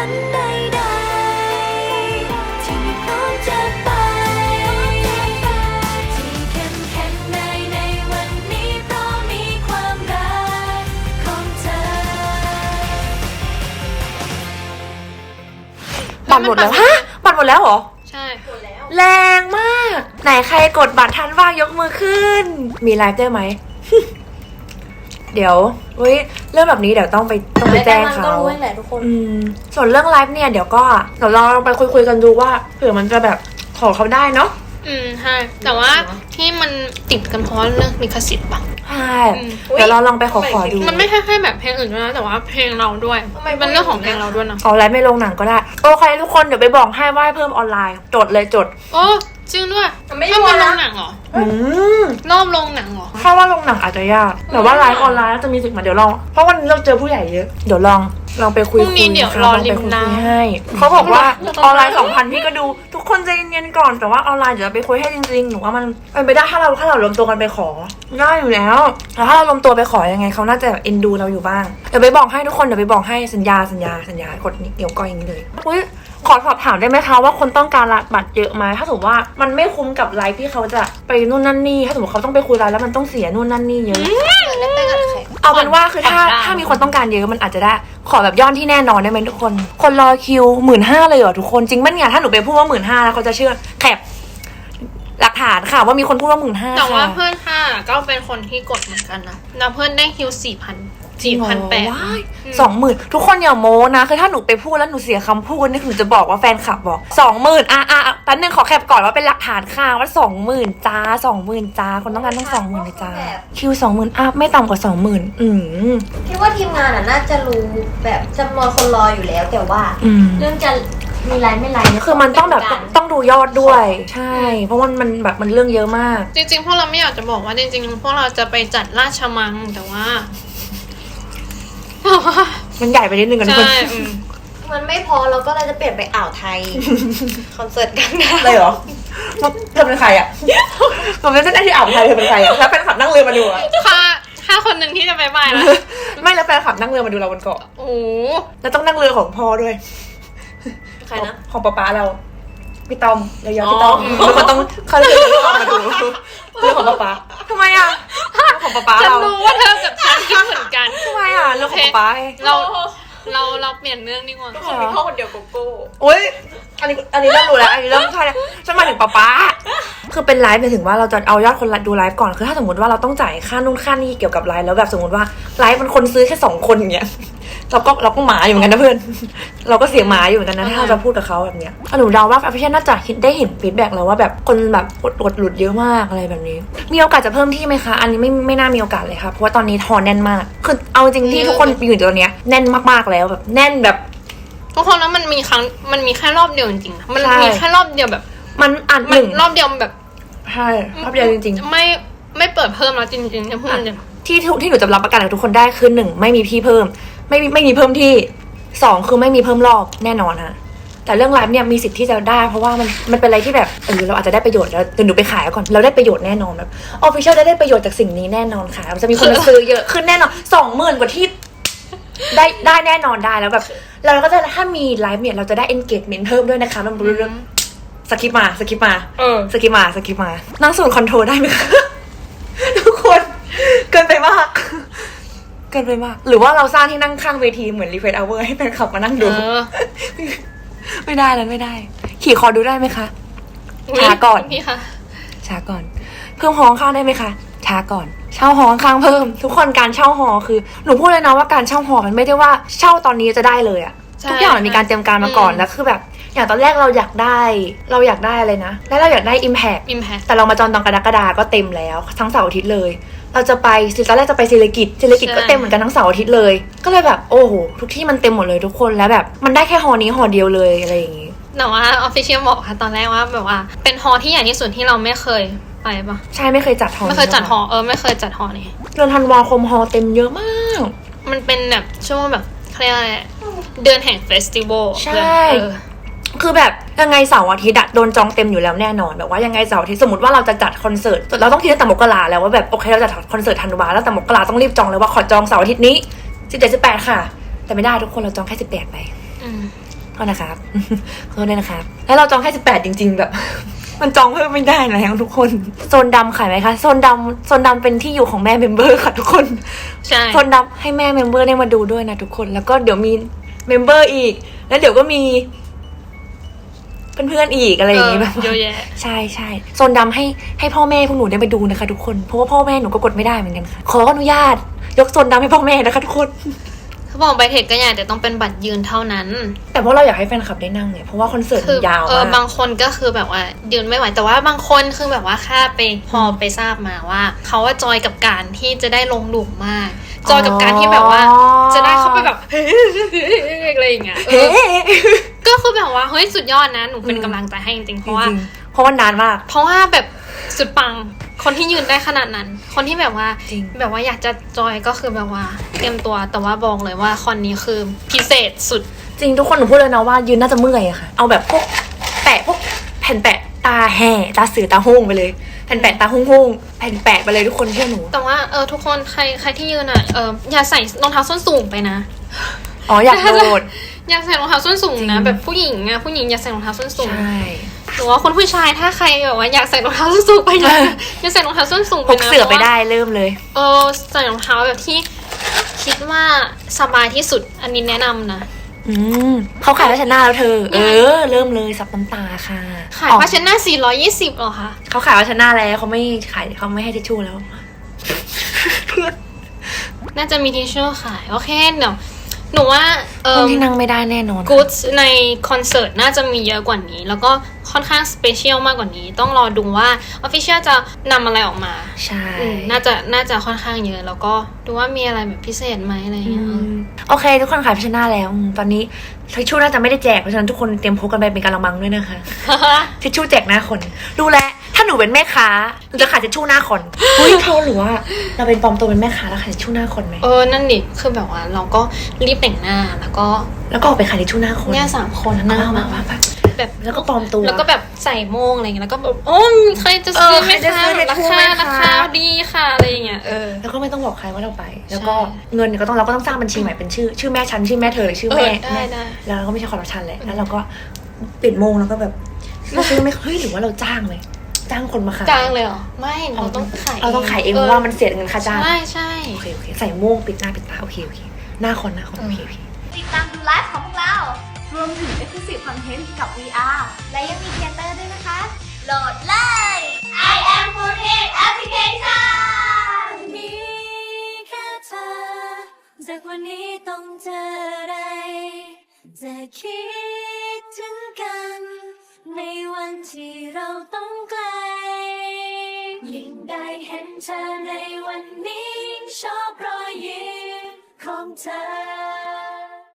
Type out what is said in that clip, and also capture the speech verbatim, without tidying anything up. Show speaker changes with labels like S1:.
S1: นใดๆที่ไม่พร้อมจะไปที่เข้มแข็งได้ในวันนี้เพราะมีความรักของเธอ
S2: บัตรหมดแล้วฮะบัตรหมดแล้วเหรอ
S3: ใช่หมดแล้ว
S2: แรงมากไหนใครกดบัตรทันบ้างยกมือขึ้นมีไลฟ์ได้ไหม เดี๋ยวเฮ้ยเรื่องแบบนี้เดี๋ยวต้องไปต้องไปแจ้งเขา
S4: ก็รู้แหละทุกคน
S2: อืมส่วนเรื่องไลฟ์เนี่ยเดี๋ยวก็เดี๋ยวเราลองไปคุยๆกันดูว่าเผื่อมันจะแบบขอเขาได้เนาะ
S3: อืมใช่แต่ว่าที่มันติดกันเพราะเรื่องลิขสิทธิ์ปะ
S2: ใช่เดี๋ยวเราลองไปขอขอดู
S3: มันไม่ใช่แค่แบบเพลงอื่นด้วยนะแต่ว่าเพลงเราด้วยมันเรื่องของเพลงเราด้วยนะ
S2: เอาไลฟ์ไม่ลงหนังก็ได้โอเคทุกคนเดี๋ยวไปบอกให้ว่าเพิ่มออนไลน์จดเลยจด
S3: โอ้จริงด้วยไม่ได้ลงหนังเหรอ
S2: อืม
S3: รอบลงหนังเหรอ
S2: ถ้าว่าลงหนังอาจจะยากแต่ว่าไลฟ์ออนไลน์จะมีสิทธิ์มาเดี๋ยวลองเพราะวันนี้เราเจอผู้ใหญ่เยอะเดี๋ยวลองลองไปคุยคุย
S3: เดี๋ยวรอริมน้ำ
S2: ให้เขาบอกว่าออนไลน์สองพันพี่ก็ดูทุกคนใจเย็นๆก่อนแต่ว่าออนไลน์เดี๋ยวไปคุยให้จริงๆหนูว่ามันเป็นไปได้ถ้าเราถ้าเรารวมตัวกันไปขอได้อยู่แล้วแต่ถ้าเรารวมตัวไปขอยังไงเขาน่าจะเอ็นดูเราอยู่บ้างเดี๋ยวไปบอกให้ทุกคนเดี๋ยวไปบอกให้สัญญาสัญญาสัญญากดเกี่ยวก้อยอย่างนี้เลยอุ้ยขอสอบถามได้ไหมคะว่าคนต้องการบัตรเยอะไหมถ้าสมมติว่ามันไม่คุ้มกับไลฟ์ที่เขาจะไปนู่นนั่นนี่ถ้าสมมติเขาต้องไปคุยไลฟ์แล้วมันต้องเสียนู่นนั่นนี่เยอะเอาเป็นว่าคือถ้าถ้ามีคนต้องการเยอะมันอาจจะได้ขอแบบยอดที่แน่นอนได้ไหมทุกคนคนรอคิวหมื่นห้าเลยเหรอทุกคนจริงมั้ยเนี่ยถ้าหนูไปพูดว่าหมื่นห้าแล้วเขาจะเชื่อแคปหลักฐานค่ะว่ามีคนพูดว่าหมื่นห้า
S3: แต่ว่าเพื่อนค่ะก็เป็นคนที่กดเหมือนกันนะแล้วเพื่อนได้คิวสี่พันสี่พันแปด
S2: สองหมื่นทุกคนอย่าโม้นะคือถ้าหนูไปพูดแล้วหนูเสียคำพูดนี่หนูจะบอกว่าแฟนคลับบอกสองหมื่นอ่ะอ่ะแป๊บนึงขอแคปก่อนว่าเป็นหลักฐานค่ะว่าสองหมื่นจ้าสองหมื่นจ้าคนต้องการต้องสองหมื่นเลยจ้าคิวสองหมื่นอัพไม่ต่ำกว่าสองหมื่นอืม
S4: คิดว่าทีมงานอ่ะน่าจะรู้แบบจำนวนคนรออยู่แล้วแต่ว่าเรื่องจะมีไลน์ไม่ไลน์
S2: คือมันต้องแบบต้องดูยอดด้วยใช่เพราะว่ามันแบบมันเรื่องเยอะมาก
S3: จริงๆพวกเราไม่อยากจะบอกว่าจริงๆพวกเราจะไปจัดราชมังแต่ว่า
S2: มันใหญ่ไปนิดนึงกันทุกคน
S4: มันไม่พอเราก็เลยจะเปลี่ยนไปอ่าวไทยคอนเสิร์ตกันนะ
S2: เลยเหรอเธอเป็นใครอ่ะผมจะได้ที่อ่าวไทยเธอเป็นใครอ่ะแล้วแฟนคลับนั่งเรือมาดูอ่ะ
S3: ค่ะถ้าคนหนึ่งที่จะไปบ่ายแล้ว
S2: ไม่แล้วแฟนคลับนั่งเรือมาดูเราบนเกาะ
S3: โอ้
S2: แล้วต้องนั่งเรือของพ่อด้วย
S4: ใครนะ
S2: ของป๊าป๊าเราพี่ต้อมเยอะๆพี่ต้อมแล้วก็ต้องเขาเรือพี่ต้อมมาดูเรื่องของป๊าป๊าทำไมอ่ะเรื่องของป๊าป๊าเรา
S3: ฉันรู้ว่าเธอกับฉันคิดเหมือนกัน
S2: ทำไมอ่ะเรื่องของป๊าป๊า
S3: เราเราเราเปลี่ยนเรื่องดีกว่า
S4: คนมีพ่อคนเดียวโกโก้
S2: อุ้ยอันนี้อันนี้เริ่มรู้แล้วอันนี้เริ่มใช่แล้วฉันมาถึงป๊าป๊าคือเป็นไลฟ์ไปถึงว่าเราจะเอายอดคนดูไลฟ์ก่อนคือถ้าสมมติว่าเราต้องจ่ายค่านู่นค่านี่เกี่ยวกับไลฟ์แล้วแบบสมมติว่าไลฟ์มันคนซื้อแค่สองคนอย่างเงี้ยเราก็เราก็หมาอยู่เหมือนกันนะเพื่อนเราก็เสียหมาอยู่เหมือนกันนะถ้าเราจะพูดกับเขาแบบเนี้ยหนูเดาว่าอภิเชษน่าจะได้เห็นฟีดแบ็กแล้วว่าแบบคนแบบกดกดหลุดเยอะมากอะไรแบบนี้มีโอกาสจะเพิ่มที่ไหมคะอันนี้ไม่ไม่น่ามีโอกาสเลยค่ะเพราะว่าตอนนี้ทอนแน่นมากคือเอาจริงที่ทุกคนอยู่ตรงเนี้ยแน่นมากๆแล้วแบบแน่นแบบ
S3: ทุกคนแล้วมันมีครั้งมันมีแค่รอบเดียวจริงๆมันมีแค่รอบเดียวแบบ
S2: มันอันหนึ่ง
S3: รอบเดียวแบบ
S2: ใช่รอบเดียวจริง
S3: ๆไม่ไม่เปิดเพิ่มแล้วจริงๆจะพูด
S2: ที่ที่หนูจะรับประกันกับทุกคนได้คือหนึ่งไม่มีพี่เพิ่มไม่มีไม่มีเพิ่มที่สองคือไม่มีเพิ่มรอบแน่นอนฮะแต่เรื่องไลฟ์เนี่ยมีสิทธิ์ที่จะได้เพราะว่ามันมันเป็นอะไรที่แบบเออเราอาจจะได้ประโยชน์แล้วเดี๋ยวหนูไปขายก่อนเราได้ประโยชน์แน่นอนแบบออฟฟิเชียลได้ได้ประโยชน์จากสิ่งนี้แน่นอนค่ะจะมีคนมาซื้อเยอะขึ้นแน่นอนสองหมื่นกว่าที่ได้ได้แน่นอนได้แล้วแบบเราก็จะถ้ามีไลฟ์เนี่ยเราจะได้ engagement เพิ่มด้วยนะคะมันเรื่องสกิปมาสกิปมา
S3: เออ
S2: สกิปมาสกิปมานั่งศูนย์คอนโทรลได้ไหมคะทุกคนเกินไปมากเกินไปมากหรือว่าเราสร้างที่นั่งข้างเวทีเหมือนรีเฟรชเอาเวอร์ให้แฟนคลับมานั่งดูไม่ได้แล้วไม่ได้ขี่คอดูได้ไหมคะช้าก่อน
S3: พี่คะ
S2: ช้าก่อนเพิ่มห้องข้างได้ไหมคะช้าก่อนเช่าหอข้างเพิ่มทุกคนการเช่าหอคือหนูพูดเลยนะว่าการเช่าหอมันไม่ได้ว่าเช่าตอนนี้จะได้เลยอะทุกอย่างมันมีการเตรียมการมาก่อนแล้วคือแบบอย่างตอนแรกเราอยากได้เราอยากได้อะไรนะแล้วเราอยากได้ impact
S3: impact
S2: แต่เรามาจองตอนกรกฎาก็เต็มแล้วทั้งเสาร์อาทิตย์เลยเราจะไปตอนแรกจะไปศิริกิจศิริกิจก็เต็มเหมือนกันทั้งเสาร์อาทิตย์เลยก็เลยแบบโอ้โหทุกที่มันเต็มหมดเลยทุกคนแล้วแบบมันได้แค่หอนี้หอเดียวเลยอะไรอย่างงี้
S3: แต่ว่าออฟฟิเชียลบอกค่ะตอนแรกว่าแบบว่าเป็นหอที่ใหญ่ที่สุดที่เราไม่เคยไปปะ
S2: ใช่ไม่เคยจัดหอ
S3: ไม่เคยจัดหอเออไม่เคยจัดหอนี่
S2: เดือนธันวาคมหอเต็มเยอะมาก
S3: มันเป็นแบบช่วงแบบเขาเรียกอะไรเดือนแห่งเฟสติวัล
S2: ใช่คือแบบยังไงเสาร์อาทิตย์โดนจองเต็มอยู่แล้วแน่นอนแบบว่ายังไงเสาร์อาทิตย์สมมติว่าเราจะจัดคอนเสิร์ตเราต้องคิดตั้งแต่มกราแล้วว่าแบบโอเคเราจะจัดคอนเสิร์ตธันวาแล้วแต่มกราต้องรีบจองเลยว่าขอจองเสาร์อาทิตย์นี้สิบเจ็ด สิบแปดค่ะแต่ไม่ได้ทุกคนเราจองแค่สิบแปดไป
S3: อืม
S2: ขอโทษนะครับ ขอโทษด้วยนะครับ แล้วเราจองแค่สิบแปดจริง ๆ แบบ มันจองเพิ่มไม่ได้นะทุกคน โซนดำขายไหมคะ โซนดำโซนดำเป็นที่อยู่ของแม่เมมเบอร์ค่ะทุกคน
S3: ใช่
S2: โซนดำให้แม่เมมเบอร์ได้มาดูด้วยนะทุกคน แล้วก็เดี๋ยวมีเมมเบอร์อีก แล้วเดี๋ยวก็มีเพื่อนๆอีกอะไรอย่างงี้แบบ
S3: เยอะแยะ
S2: ใช่ใช่โซนดำให้ให้พ่อแม่พวกหนูได้ไปดูนะคะทุกคน เพราะว่าพ่อแม่หนูก็กดไม่ได้เหมือนกันค่ะ ขออนุญาต ยกโซนดำให้พ่อแม่นะคะทุกคน
S3: เขาบอกไปเทคก็อยากแต่ต้องเป็นบัตรยืนเท่านั้น
S2: แต่เพราะเราอยากให้แฟนคลับได้นั่งเนี่ยเพราะว่าคอนเสิร์ต
S3: คื
S2: มันยาว
S3: เออ
S2: มาก
S3: บางคนก็คือแบบว่ายืนไม่ไหวแต่ว่าบางคนคือแบบว่าค่าไปพอไปทราบมาว่าเขาว่าจอยกับการที่จะได้ลงหลุมมาก จอยกับการที่แบบว่าจะได้เข้าไปแบบ อะไรอย่างเงี้ยเอ
S2: เฮ้
S3: อก็คือแบบว่าเฮ้ยสุดยอดนะหนูเป็นกำลังใจให้จริงๆเพ
S2: จ
S3: ราะว่า
S2: ริงๆเพราะว่านานมาก
S3: เพราะว่าแบบสุดปังคนที่ยืนได้ขนาดนั้น คนที่แบบว่า
S2: จริง
S3: แบบว่าอยากจะจอยก็คือแบบว่าเตรียมตัวแต่ว่าบอกเลยว่าคอนนี้คือพิเศษสุด
S2: จริงทุกคนหนูพูดเลยนะว่ายืนน่าจะเมื่อยอะค่ะ เอาแบบพวกแปะพวกแผ่นแปะตาแห่ตาเสือตาห้งไปเลย แผ่นแปะตาห้งห้งแผ่นแปะไปเลยทุกคนเชื่อหนู
S3: แต่ว่าเออทุกคนใครใครที่ยืนอ่ะเอออย่าใส่รองเท้าส้นสูงไปนะ
S2: อ๋ออยากโดด
S3: อย่าใส่รองเท้าส้นสูงนะ
S2: จริง
S3: แบบผู้หญิงอะผู้หญิงอย่าใส่รองเท้าส้นสูง
S2: ใช่
S3: หรือว่าคนผู้ชายถ้าใครแบบว่าอยากใส่รองเท้าส้นสูงไปนะอย่าใส่รองเท้าส้นสูง
S2: พ
S3: ไป
S2: ก
S3: นะ
S2: เสือไปได้เริ่มเลย
S3: เออใส่รองเท้าแบบที่คิดว่าสบายที่สุดอันนี้แนะนำนะ
S2: อืมเขาขายผ้าเชดหนาแล้วเธอ เออ เริ่มเลยซับน้ำตาค่ะ
S3: ขาย
S2: อ๋อ
S3: ผ้าเช็ดหน้าสี่ร้อยยี่สิบหรอคะ
S2: เขาขายผ้าเชดหนาแล้วเขาไม่ขายเขาไม่ให้ทิชชู่แล้ว เพื่อน
S3: น่าจะมีทิชชู่ขายโอเคเดี๋ยวหนูว่าเอ
S2: คน
S3: อ
S2: ที่นั่งไม่ได้แน่นอน
S3: กู๊ดในคอนเสิร์ตน่าจะมีเยอะกว่านี้ แล้วก็ค่อนข้างสเปเชียลมากกว่านี้ ต้องรอดูว่าออฟฟิเชียลจะนำอะไรออกมา
S2: ใช่
S3: อืมน่าจะน่าจะค่อนข้างเยอะ แล้วก็ดูว่ามีอะไรแบบพิเศษไหมอะไรอย่างเงี้ย
S2: อืมโอเค ทุกคนขายผ้าเชดหนาแล้วอืมตอนนี้ทิชชู่น่าจะไม่ได้แจกเพราะฉะนั้นทุกคนเตรียมพกกันไปเป็นกะละมังด้วยนะคะ ทิชชู่แจกหน้าคนดูแลถ้าหนูเป็นแม่ค้าหนูจะขายทิชชู่หน้าคนเฮ้ยเขาหรือว่าเราเป็นปลอมตัวเป็นแม่ค้าแล้วขายทิชชู่หน้าคนไหม
S3: เออนั่นดิคือแบบว่าเราก็รีบแต่งหน้าแล้วก็
S2: แล้วก็ออกไปขายทิชชู่หน้าคน
S3: เนี่ยสามคน
S2: มา
S3: นะ
S2: มามามา
S3: แบบ
S2: แล้วก็ปลอมตัว
S3: แล้วก็แบบใส่โม่งอะไรอย่างเงี้ยแล้วก็แบบโอ้ยใครจะซื้อ
S2: เออ
S3: ไหม
S2: ใครจะ
S3: คะ
S2: ซื้อ
S3: รา
S2: ทิชชู่
S3: คา
S2: ไหมคะ
S3: ราคาดีค่ะอะไรอย่างเงี้ยเออ
S2: แล้วก็ไม่ต้องบอกใครว่าเราไป แล้วก็
S3: ใช่
S2: เงินเนี่ยก็ต้องเราก็ต้องสร้างบัญชีใหม่เป็นชื่อ ชื่อแม่ฉันชื่อแม่เธอหรือชื่อแม่
S3: เออได้
S2: แม่
S3: ได้
S2: แล้วเราก็ไม่ใช่คอร์รัปชันแหละแล้วเราก็ปิดโมงแล้วก็แบบเราซื้อไหมเฮ้ยหรือว่าเราจ้างเลยจ้างคนมาขาย
S3: จ้างเลยเหรอไม่เราต้องขาย
S2: เราต้องขายเองเพราะว่ามันเสียเงินค่าจ้าง
S3: ใช่ใช่
S2: โอเคโอเคใส่โม่งปิดหน้าปิดตาโอเคโอเคหน้าคนหน้าคนโอเคโอเค
S4: ติดตามดูไลฟ์ของพวกเรา รวมถึง Exclusive Content กับ วี อาร์ และยังมีเทเตอร์ด้วยนะคะ โหลดเลย I am Foodhead Application
S1: มีแค่เธอจากวันนี้ต้องเจออะไร จะคิดถึงกัน ในวันที่เราต้องไกล ยิ่งได้เห็นเธอในวันนี้ยิ่งชอบรอยยิ้มของเธอ